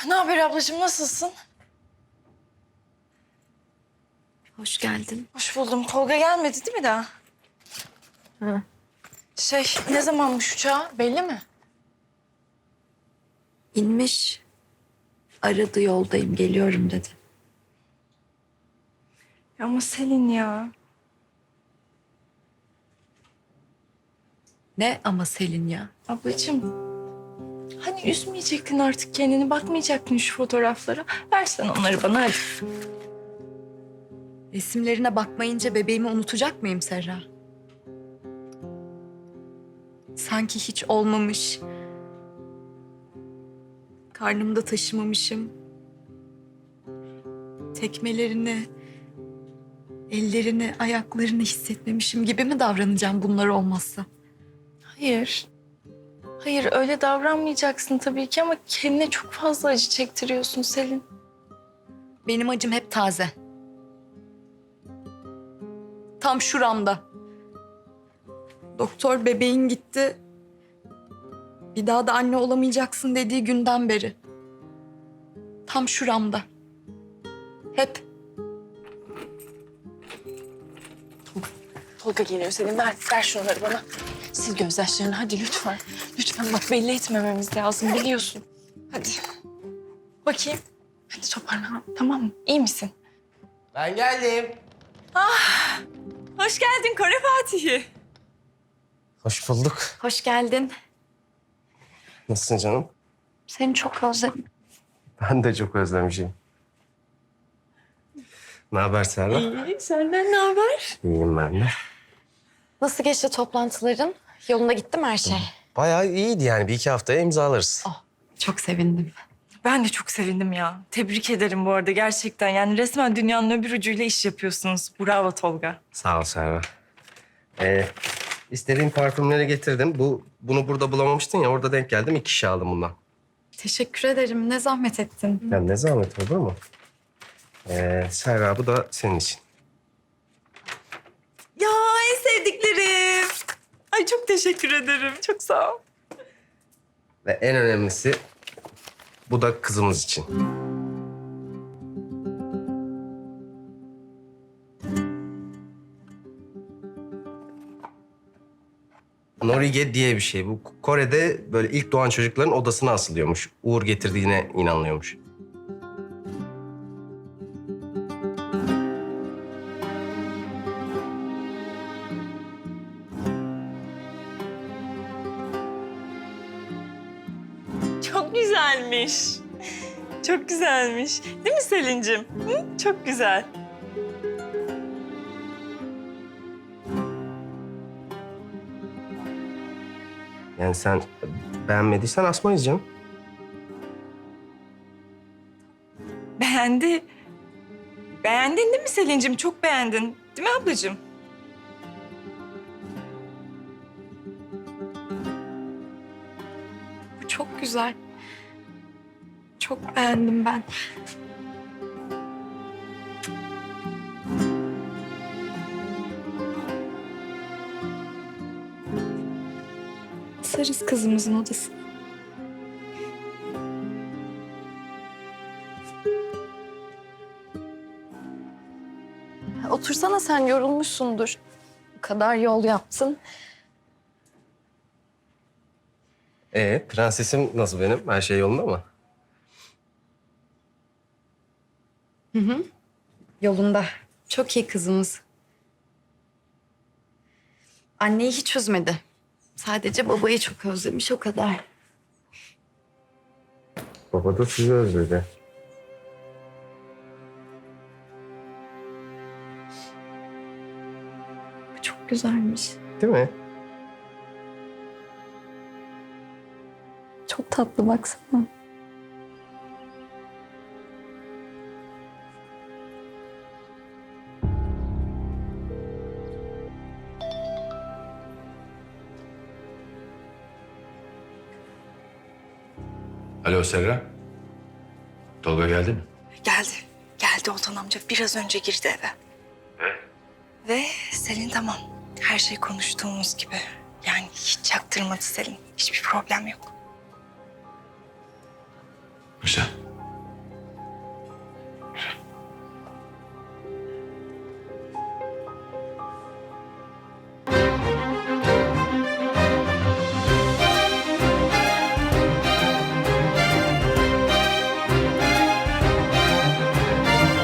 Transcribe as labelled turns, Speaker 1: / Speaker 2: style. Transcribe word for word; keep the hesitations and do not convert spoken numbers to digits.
Speaker 1: Ne haber ablacığım, nasılsın?
Speaker 2: Hoş geldin.
Speaker 1: Hoş buldum. Tolga gelmedi değil mi daha?
Speaker 2: Hı.
Speaker 1: Şey, ne zamanmış uçağı belli mi?
Speaker 2: İnmiş. Aradı, yoldayım, geliyorum dedi.
Speaker 1: Ama Selin ya.
Speaker 2: Ne ama Selin ya?
Speaker 1: Ablacığım, hani üzmeyecektin artık kendini, bakmayacaktın şu fotoğraflara. Versen onları bana hadi.
Speaker 2: Resimlerine bakmayınca bebeğimi unutacak mıyım Serra? Sanki hiç olmamış. Karnımda taşımamışım. Tekmelerini, ellerini, ayaklarını hissetmemişim gibi mi davranacağım bunlar olmazsa?
Speaker 1: Hayır. Hayır, öyle davranmayacaksın tabii ki ama kendine çok fazla acı çektiriyorsun Selin.
Speaker 2: Benim acım hep taze. Tam şuramda. Doktor bebeğin gitti. Bir daha da anne olamayacaksın dediği günden beri. Tam şuramda. Hep.
Speaker 1: Tolga geliyor Selin. Ver, ver şunları bana. Sil gözyaşlarını hadi lütfen. Lütfen bak, belli etmememiz lazım biliyorsun. Hadi. Bakayım. Hadi toparlan, tamam mı? İyi misin?
Speaker 3: Ben geldim.
Speaker 1: Hoş geldin Kore Fatih'i.
Speaker 3: Hoş bulduk.
Speaker 2: Hoş geldin.
Speaker 3: Nasılsın canım?
Speaker 2: Seni çok özledim.
Speaker 3: Ben de çok özlemişim. Ne haber Serra?
Speaker 1: İyi, senden ne haber?
Speaker 3: İyiyim ben de.
Speaker 2: Nasıl geçti toplantıların? Yolunda gitti mi her şey?
Speaker 3: Bayağı iyiydi yani. Bir iki haftaya imzalarız.
Speaker 2: Oh, çok sevindim.
Speaker 1: Ben de çok sevindim ya. Tebrik ederim bu arada gerçekten. Yani resmen dünyanın öbür ucuyla iş yapıyorsunuz. Bravo Tolga.
Speaker 3: Sağ ol Serra. Ee, istediğim parfümleri getirdim. Bu Bunu burada bulamamıştın ya, orada denk geldim. İki şişe aldım bundan.
Speaker 2: Teşekkür ederim. Ne zahmet ettin.
Speaker 3: Ya ne zahmet olur mu? Ee, Serra, bu da senin için.
Speaker 1: Ya en sevdiklerim. Ay çok teşekkür ederim. Çok sağ ol.
Speaker 3: Ve en önemlisi, bu da kızımız için. Norige diye bir şey. Bu Kore'de böyle ilk doğan çocukların odasına asılıyormuş. Uğur getirdiğine inanılıyormuş.
Speaker 1: Çok güzelmiş. Çok güzelmiş. Değil mi Selin'cim? Hı? Çok güzel.
Speaker 3: Yani sen beğenmediysen asmayız canım.
Speaker 1: Beğendi. Beğendin değil mi Selin'cim? Çok beğendin. Değil mi ablacığım?
Speaker 2: Bu çok güzel. Çok beğendim ben. Sarız kızımızın odası. Otursana, sen yorulmuşsundur. Bu kadar yol yaptın.
Speaker 3: Ee, prensesim nasıl benim? Her şey yolunda mı?
Speaker 2: Yolunda. Çok iyi kızımız. Anneyi hiç üzmedi. Sadece babayı çok özlemiş, o kadar.
Speaker 3: Baba da sizi özledi.
Speaker 2: Bu çok güzelmiş.
Speaker 3: Değil mi?
Speaker 2: Çok tatlı, baksana.
Speaker 4: Alo Serra. Tolga geldi mi?
Speaker 1: Geldi. Geldi Oltan amca. Biraz önce girdi eve.
Speaker 4: Ve?
Speaker 1: Ve Selin tamam. Her şey konuştuğumuz gibi. Yani hiç çaktırmadı Selin. Hiçbir problem yok.
Speaker 4: Güzel.